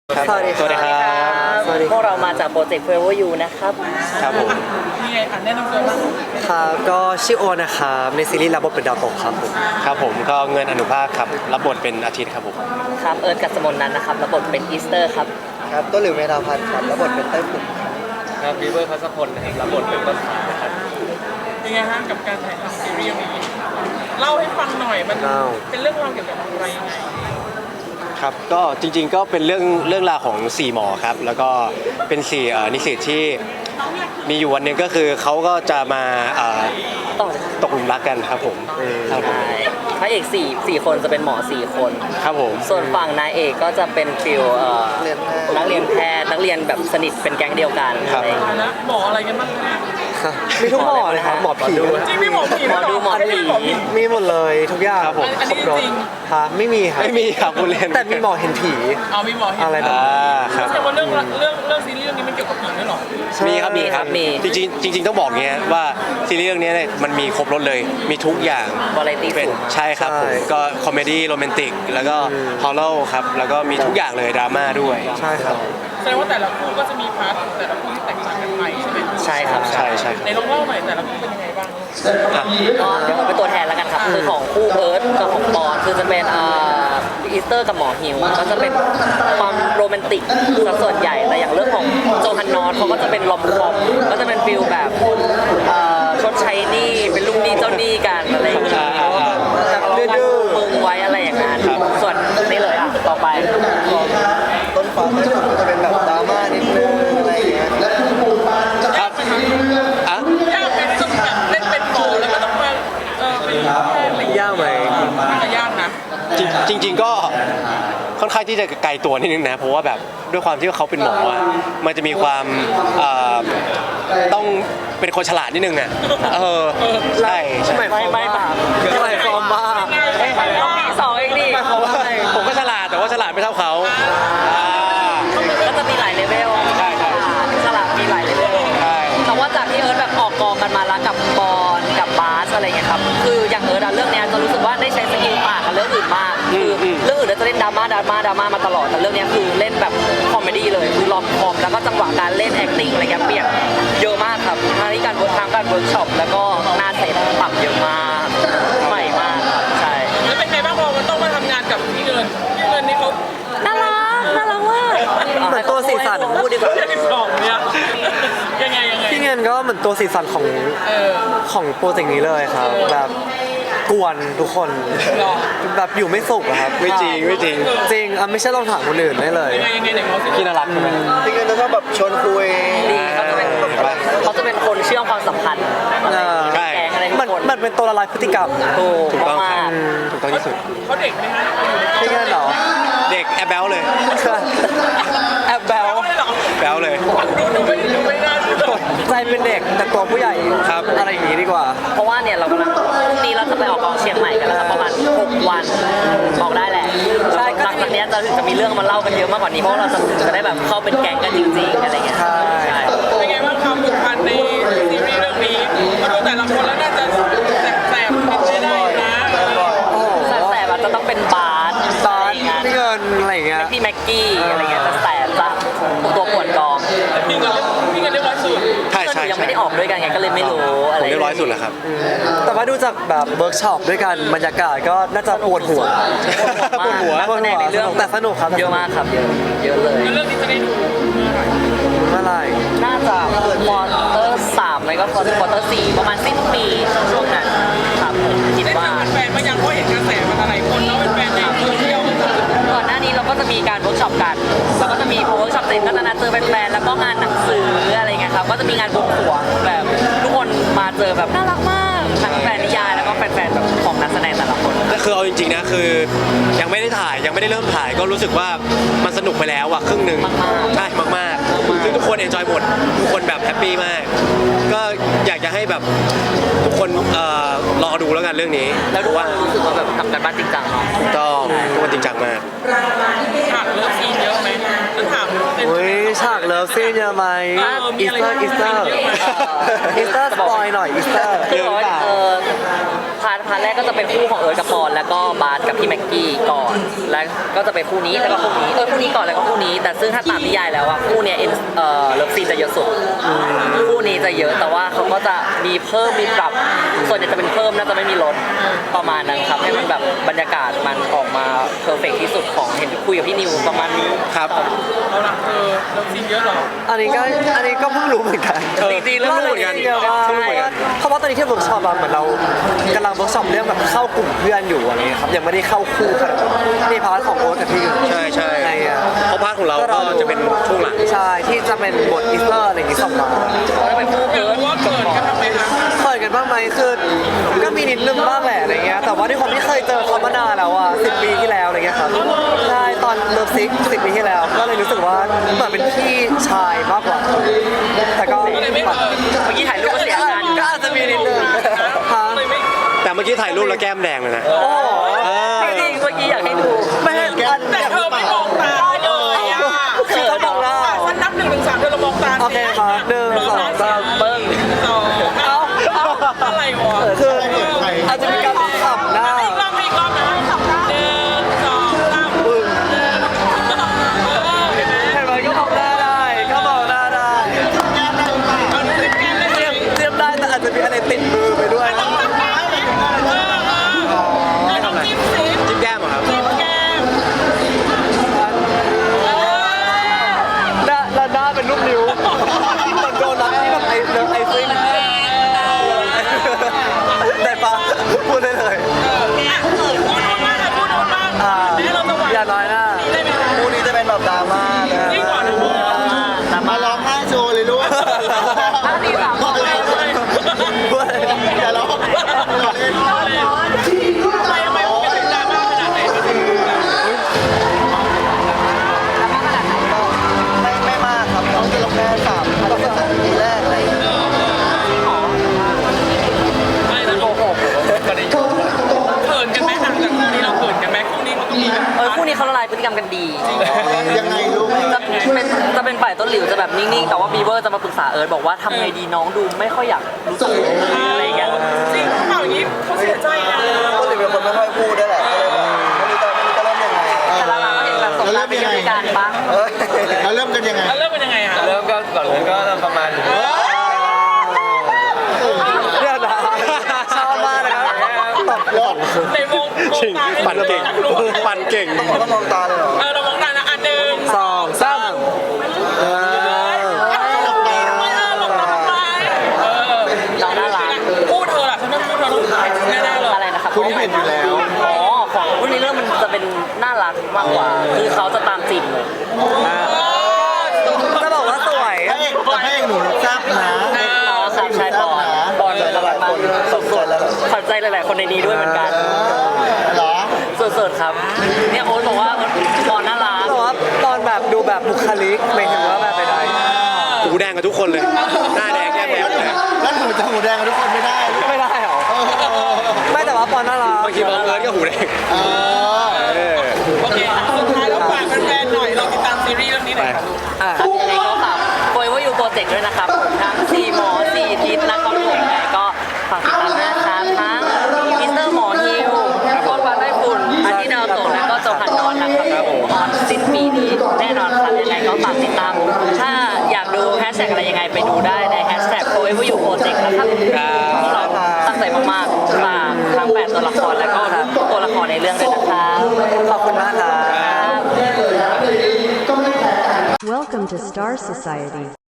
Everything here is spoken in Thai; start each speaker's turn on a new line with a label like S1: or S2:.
S1: สวัสดีครับพวกเรามาจากโปรเจกต์ Forever You นะครับ
S2: ครับผม
S3: มีไงแนะนำตัวบ้าง
S2: ครับก็ชื่อโอนะครับในซีรีส์รับบทเป็นดาวตกครับผมครับผมก็เงินอนุภาคครับรับบทเป็นอาทิตย์ครับผม
S1: ครับเอิร์ธกัสมนนั้นนะครับรับบทเป็นอีสเตอร์ครับ
S4: ครับต้นหลิวเมธาพันธ์ครับรับบทเป็นเต้ยผุ่น
S2: ครับบีเบอร์พัสพลนะครับรับบทเป็นต้นขาครับ
S3: ยังไงฮะกับการถ่ายทำซีรีส์นี้เล่าให้ฟังหน่อยมันเป็นเรื่องราวเกี่ยวกับอะไรยังไง
S2: ครับก็จริงๆก็เป็นเรื่องราวของ4หมอครับแล้วก็เป็น4นิสิตที่มีอยู่วันนึงก็คือเขาก็จะมาตกหลุมรักกันครับผมครับผม
S1: พระเอก4คนจะเป็นหมอ4คน
S2: ครับผม
S1: ส่วนฝั่งนายเอกก็จะเป็นฟิลนักเรียนแพทย์นักเรียนแบบสนิทเป็นแก๊งเดียวกันอะไรอย่างเงี้ย
S3: นะหมออะไรกันบ้าง
S4: มีทุกหมอเลยครับหมอผี
S3: จริงมีหมอผี
S1: หมอดูหมอผี
S4: มีหมดเลยทุกอย่าง
S3: ครบรถ
S4: ไม่มีครับ
S2: ไม่มีครับคุณเล่น
S4: แต่มีหมอเห็นผี
S3: มีหมอเห็น
S4: อะไรแบบ
S2: ครับ
S3: แต่ว่าเรื่องซีรีส์เรื่องนี้มันเกี่ยวกับผีด้วยหรอ
S2: มีครับมีจริงต้องบอกเงี้ยว่าซีรีส์เรื่องนี้เนี่ยมันมีครบรถเลยมีทุกอย่าง
S1: เป็น
S2: ใช่ครับผมก็คอมเมดี้โรแมนติกแล้วก็ฮอลล์ครับแล้วก็มีทุกอย่างเลยดราม่าด้วย
S4: ใช่ครับ
S3: แสดงว่าแต่ละคู่ก็จะมีพาร์ทแต่ละคู่ที่แตกต่างกันไปใช่ไหม
S1: ใช่ครับ
S2: ใช่
S3: ในลองเล่าหน่อยแต่ละคู่เป็นยังไงบ้าง
S1: ก็เดี๋ยวผมเป็นตัวแทนแล้วกันครับคือของคู่เอิร์ธกับของปอนคือจะเป็นอีสเตอร์กับหมอฮิวก็จะเป็นความโรแมนติกซะส่วนใหญ่แต่อย่างเรื่องของโจฮันนอตเขาก็จะเป็นลอมคอมก็จะเป็นฟิลแบบชดใช้หนี้เป็นลูกหนี้เจ้าหนี้กันอะไรอย่างเงี้ยดื้อมึงไว้อะไรอย่างนั้นส่วนนี่เลยต่อไป
S4: ต้นฟ้าต้นฝนก็จะเป็นแบบดราม่านิดนึงอะไรอย่างเงี้ย
S2: ครับ
S3: ยากเป็นต้องแบบเล่นเป็นหมอแล้วก็ต้องมาเป็น
S4: ยากไหม
S3: ยากนะ
S2: จริงก็ค่อนข้างที่จะไกลตัวนิดนึงนะเพราะว่าแบบด้วยความที่เขาเป็นหมออ่ะมันจะมีความต้องเป็นคนฉลาดนิดนึงอ่ะใช่
S1: ไม่ฟอร์มบ้าสองเองดิ
S2: ผมก็ฉลาดแต่ว่าฉลาดไม่เท่าเขา
S1: ก็จะมีหลายเลเวลฉลาดมีหลายเลเวลแต่ว่าจากที่เอิร์ธแบบออกกองกันมาแล้วกับบอลกับบาสอะไรเงี้ยครับคืออย่างเอิร์ธเรื่องนี้จะรู้สึกว่าได้ใช้สกิลต่างกับเรื่องอื่นมากคือเรื่องอื่นจะเล่นดราม่ามาตลอดแต่เรื่องนี้คือเล่นแบบคอมเมดี้เลยคือลอมคอมแล้วก็จังหวะการเล่น acting อะไรเงี้ยเปลี่ยนเยอะมากครับทั้งที่การเวิร์กช็อปแล้วก็หน้าเซตปรับเยอะมากใหม่มากครับใช่
S3: แล้วเป็นไงบ้างพอมันต้องมาทำงานกับพี่เงินนี่เขา
S1: น่ารักมาก
S4: เหมือนตัวสีสัน
S1: พูดดีกว่า
S3: เนี่ยยังไง
S4: พี่เงินก็เหมือนตัวสีสันของโปรเจกต์นี้เลยครับแบบกวนทุกคนแบบอยู่ไม่สุขครับ
S2: ไม่จริงจริง
S4: ไม่ใช่ลองถามคนอื่นได้เลย
S2: พี่น่ารักใช่ไหม
S4: พี่เงินจะชอบแบบชวนคุย
S1: ดีเขาจะเป็นคนเชื่อมความสัมพันธ์
S2: ใช่
S4: มันเป็นตัวละลายพฤติกรรม
S2: ถูกต้องที่สุด
S3: เขาเด็กไหมฮะ
S4: พี่เงินเหรอ
S2: เด็กแอบแบลเลย
S4: แอบแบล
S2: เลย
S3: ดูไม่น่าเชื่อ
S4: ใจเป็นเด็กแต่ตัวผู้ใหญ่
S2: ครับ
S4: อะไรอย่างนี้ดีกว่า
S1: เพราะว่าเนี่ยเรากำลังพรุ่งนี้เราจะไปออกกองเชียงใหม่กันแล้วครับประมาณ6 วันบอกได้แหละใช่หลังจากนี้จะมีเรื่องมาเล่ากันเยอะมากกว่านี้เพราะเราจะได้แบบเข้าเป็นแก๊งกันจริงๆอะไรเงี้ย
S4: ใช่
S3: เป็นไงบ้างความผูกพันในซีรีส์เรื่องนี้มาดูแต่ละคนแล้วน่าจะแสบไม่ได้นะ
S1: แสบอาจจะต้องเป็นบาส
S4: พี่เงินอะไรเงี้ย
S1: พี่แม็กกี้อะไรเงี้ยจะแสบละตัวปวดกอง
S3: พี่เงินเรียบร้อยสุด
S2: ใช่
S1: ยังไม่ได้ออกด้วยกันไงก็เลยไม่รู้อะไร
S2: เรียบร้อยสุดแล้วครับ
S4: แต่ว่าดูจากแบบเวิร์กช็อปด้วยกันบรรยากาศก็น่าจะปวดหัว
S1: ในเรื่อง
S4: แต่สนุกครับ
S1: เยอะมากครับเยอะเลย
S3: เรื่องนี้จะได้ดู
S4: เมื่อไหร่
S1: น่าจะควอเตอร์3ไม่ก็ควอเตอร์4ประมาณสิ้นปีช่วงนั้นครับคิดว่า
S3: แฟนมายังเพราะเห็นกระแสมันอะไรคนแล้วเป็นแฟนในโซเชียล
S1: ก่อนหน้านี้เราก็จะมีการเวิร์กช็อปกันแล้วก็จะมีพอเวิร์กช็อปเสร็จก็จะนัดเจอแฟนๆแล้วก็งานหนังสืออะไรเงี้ยครับก็จะมีงานบวงสรวงแบบทุกคนมาเจอแบบน่ารักมากทั้งแฟนนิยายแล้วก็แฟนๆแบบของนักแสดงแต่ละคน
S2: ก็คือเอาจริงๆนะคือยังไม่ได้ถ่ายยังไม่ได้เริ่มถ่ายก็รู้สึกว่ามันสนุกไปแล้วอะครึ่งนึงใช่มากๆซึ่งทุกคนเอนจอยหมดทุกคนแบบแฮปปี้มากก็อยากจะให้แบบทุกคนรอดูแล้วกันเรื่องนี้
S1: แล้วดูว่ารู้สึกว่าแบบทำกันบ้านจริงจังเนาะ
S2: ถูกต้องทุกคนจริงจังมาก
S3: ฉากเลิฟซีนเยอะไหมจะถาม
S4: ฉากเลิฟซีนเยอะไหมอีสเตอร์สปอยหน่อยอีสเตอร์
S1: พาร์ทพาร์ทแรกก็จะเป็นคู่ของเอิร์ธกับปอนแล้วก็บาสกับพี่แม็กกี้ก่อนแล้วก็จะเป็นคู่นี้แล้วก็คู่นี้คู่นี้ก่อนแล้วก็คู่นี้แต่ซึ่งถ้าตามนิยายแล้วอะคู่เนี้ยเลิฟซีนจะเยอะสุดคู่นี้จะเยอะแต่ว่าเขาก็จะมีเพิ่มมีปรับส่วนใหญ่จะเป็นเพิ่มน่าจะไม่มีลดประมาณนั้นครับให้มันแบบบรรยากาศมันออกมาเพอร์เฟกที่สุดของเห็นคุยกับพี่นิวประมาณนี้
S2: ครับ
S3: เอาละเราซีนเยอะเหรอ
S4: อันนี้ก็เพิ่งรู้เหมือนกัน
S1: จริงๆเรื่อง
S2: เหมือนกัน
S4: เยอะมาก
S2: เพิ่งรู้เหมือนกัน
S4: เพราะว่าตอนนี้ที่เวิร์กช็อปอะเหมือนเรากำลังเวิร์กช็อปเรื่องแบบเข้ากลุ่มเพื่อนอยู่อะไรเงี้ยครับยังไม่ได้เข้าคู่ขนาดนั้นนี่พาร์ทของโอ๊ตกับพี่อยู่
S2: ใช่ใช่
S4: ไงอะ
S2: เพราะพาร์ทของเราก็จะเป็นช่วงหลัง
S4: ใช่ที่จะเป็นบทอีสเตอร์อะไรอย่างงี้ส่งมา
S1: แล้วเป็นคู่
S3: อยาก
S1: เอิร์ธ
S3: รู้ว่าเกิดกันทำไมคะ
S4: เปิดกันบ้างไหมคือก็มีนิดนึงบ้างแหละอะไรเงี้ยแต่ว่าด้วยความที่เคยเจอเขามานานแล้วอ่ะ10 ปีที่แล้วอะไรเงี้ยครับใช่ตอนเลิฟซิก10 ปีที่แล้ว ก็เลยรู้สึกว่าเหมือนเป็นพี่ชายมากกว่า แต่ก็
S3: เลยไม่เกิด
S1: เมื่อกี้ถ่ายรูปก็เสียงาน
S4: ก็อาจจะมีนิดนึงฮะ
S3: เลยไม่
S2: แต่เมื่อกี้ถ่ายรูปแล้วแก้มแดงเลยนะ
S4: โอ้โห
S1: จริงๆเมื่อกี้อยากให้ดู
S4: ไม่ให้อัน
S3: แต่เธอไม่มองตาเลยอ่ะ
S4: คือต้องมองหน้า
S3: ฉันนับ1 ถึง 3เธอเรามองตา
S4: โอเคครับ1 2 3เบิ้ง
S3: เอาอะไรวะ
S4: คืออาจจะมีการขับหน้า
S3: อีกรอบนะ1 2 3เห็นไหม
S4: เห็นไหมก็มองหน้าได้ก็มองหน้าได้
S3: เอาดูสิแก้มได้ไหม
S4: เตรียมได้แต่อาจจะมีอะไรติดมือไปด้วย
S3: ต้องทำได้ไหมต้องจิ้มสิ
S2: จิ้มแก้มเหรอครับ
S3: จิ้มแก้ม
S4: แล้วหน้าเป็นรูปนิ้วเหมือนโดนัทที่แบบไอซิ่งได้ปะพูดได้เลย
S3: พูดมากเลยพูดมาก แล้วเราจะหวาน
S4: อย่าน้อยหน้า
S3: ได้ไหม
S5: คู่นี้จะเป็นแบบดราม่าเลย
S3: ยิ่งกว่านะพูด
S5: มาร้องไห้โชว์เลยลูก
S1: ที่สามบอกเลย
S5: อย่าร้อง
S3: ทำไมมันเป็นดราม่าขนาดไหน
S5: ไม่มากครับน้องจะลงแค่3ก็3 ปีแรกอะไรอย่างเงี้ย
S3: ไม่นะโกหกเขินกันไหมหลังจากคู่นี้เราเขินกันไหมคู่นี้มันก็มีแบบ
S1: คู่นี้เขาละลายพฤติกรรมกันดี
S5: ยังไงลูก
S1: จะเป็นฝ่ายต้นหลิวจะแบบนิ่งๆแต่ว่าบีเวอร์จะมาปรึกษาเอิร์ธบอกว่าทำไงดีน้องดูไม่ค่อยอยากรู้จักอะไรอย่างเงี้ย
S3: จริงเปล่าอย่างนี้เขาเสียใจนะ
S5: ก็เลยเป็นคนไม่ค่อยพูดด้วยแหละไม่รู้จะเริ่มยังไง
S1: แต่ละเราก็เห็นแบบสงกรานต์เป็นด้วยกันปะ
S5: เราเริ่มกันยังไง
S3: แล้วเริ่มเป็นยังไงอ่ะ
S2: เริ่มก็ก่อนเลยก็ประมาณ
S4: เนี่ยนะชอบมากเลยครับตบรถ
S3: ในวง
S2: จริง
S3: ตาให้
S2: ปั่นเก่งปั่นเก่ง
S5: ต้องมองตาเลยเหรอ
S3: เรามองตานะอันหนึ่ง
S4: 2 3
S1: น้องน่ารัก
S3: พูดเธอล่ะฉันไม่พูดเธอต้องถ่ายแน่ๆเลย
S1: อะไรนะครับ
S5: คู่นี้เห็นอยู่แล้ว
S1: อ๋อของรุ่นนี้เรื่องมันจะเป็นน่ารักมากกว่า คือเขาจะตามจีบเลย
S4: จะบอกว่าสวย
S5: พระเอกหนูทราบนะ
S1: อ๋อครับใช่บอลเลยน่ารักมากสุดๆขวัญใจหลายๆคนในนี้ด้วยเหมือนกัน
S5: เหรอ
S1: สุดๆครับ เนี่ยโอ๊ตบอกว่าบอลน่ารัก
S4: แต่ว่าตอนแบบดูแบบบุคลิกหมายถึงว่าแบบไปได้
S2: หูแดงกับทุกคนเลย หน้าแดงแก้มแดงหมดเลย
S5: แล้วหนูจะหูแดงกับทุกคนไม่ได้ลูก
S4: ไม่ได้หรอไม่แต่ว่าปอนน่ารัก
S2: บางทีบังเอิญก็หูแดง
S5: เออ
S2: เออ
S3: โอเคสุดท้ายแล้วฝากแฟนๆหน่อยเราติดตามซีรีส์เรื่องนี้หน่อยค่ะลูก
S1: ครับยังไงก็ฝากโปรยว่าอยู่โปรเจกต์ด้วยนะครับทั้ง4หมอ4ทิศนะครับผมยังไงก็ฝากติดตามด้วยนะครับทั้งมิสเตอร์หมอฮิวโคตรวันได้ฝุ่นอาทิตย์ดาวตกและก็โจฮันนอนนะครับผมออนสิ้นปีนี้แน่นอนครับยังไงก็ฝากติดตาม ถ้าอยากดูแฮชแท็กอะไรยังไงไปดูได้ในแฮชแท็กโปรยว่าอยู่โปรเจกต์นะครับพวกเราตั้งใจมากๆฝากทั้ง8ตัวละครและก็ตัวละครในเรื่องด้วยนะครับ
S4: ขอบคุณมากครับ
S6: Welcome to Star Society.